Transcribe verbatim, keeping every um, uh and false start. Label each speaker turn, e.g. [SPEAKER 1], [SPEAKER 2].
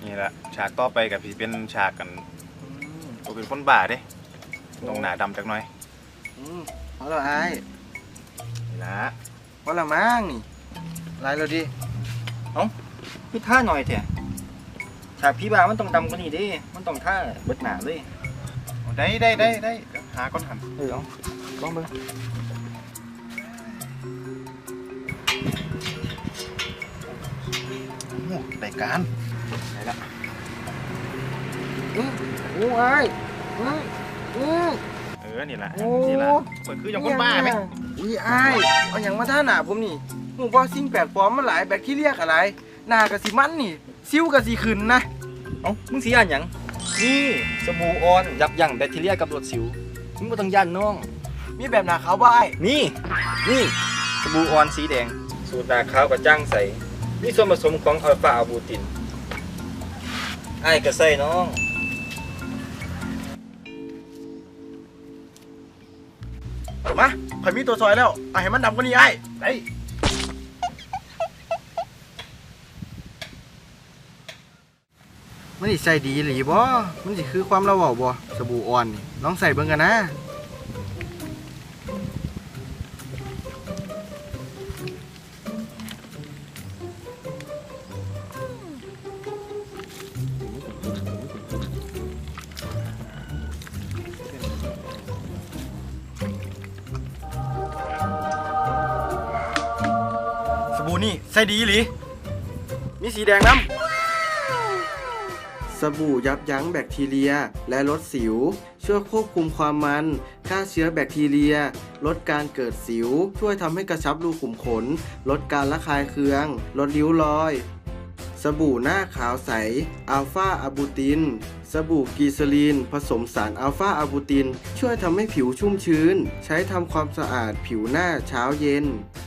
[SPEAKER 1] นี่แหละฉากต่อไปกับพี่เป็นฉากกันตัวเป็นคนบ้าเด้ตรงหน้าดำจักหน่อย
[SPEAKER 2] อืมพอแล้วไอ้
[SPEAKER 1] นี่ละ
[SPEAKER 2] พอแล้วมั้งนี่ไล่แล้วดิ
[SPEAKER 3] พี่ท่าหน่อยเถอะฉากพี่บามันต้องดำกว่านี้ดิมันต้องท่าเบิดหนาเลย
[SPEAKER 1] เอาได้ได้ได้ได้เดี๋ยวหาก้อนหัน
[SPEAKER 3] เออเอาลองเบิ่ง
[SPEAKER 1] โอ้โหได้การได้ละ
[SPEAKER 2] อือโอ้ไอ้อืออือ
[SPEAKER 1] เออนี่ละ
[SPEAKER 2] โอ้
[SPEAKER 1] นี่ละมันคืออย่างคนบ้าไหม
[SPEAKER 2] อุ้ยไอ้เอาอย่างมาท่าหนาผมนี่หมูว่าสิ่งแปลกปลอมมันหลายแบคทีเรียอะไรหน้ากะสิมันนี่ซิ้วกะสิขึ้นนะ
[SPEAKER 3] เอ้ามึงสีอ่านหยังนี่สบู่ออนยับยั้งแบคทีเรียกับรดสิวมึงบ่ต้องย่านน้อง
[SPEAKER 2] มีแบบหนาขาวบ่ไอ้
[SPEAKER 3] นี่นี่สบู่ออนสีแดง สูตรหนาขาวกับจ้างใสมีส่วนผสมของอัลฟาอะบูตินไอ้ายก็ใส่น้อง
[SPEAKER 2] มาข่อยมีตัวซอยแล้วเอาให้มันดำกว่านี้ไอ้ได้ มันสิใส่ดีหรือบ่มันสิคือความเราเว้าบ่สบู่อ่อนนี่ลองใส่เบิ่งกันนะสบู่นี่ใส่ดีหรือมีสีแดงน้ำ สบู่ยับยั้งแบคทีเรียและลดสิวช่วยควบคุมความมันฆ่าเชื้อแบคทีเรียลดการเกิดสิวช่วยทำให้กระชับรูขุมขนลดการระคายเคืองลดริ้วรอยสบู่หน้าขาวใสอัลฟาอะบูตินสบู่กีซาลีนผสมสารอัลฟาอะบูตินช่วยทำให้ผิวชุ่มชื้นใช้ทำความสะอาดผิวหน้าเช้าเย็น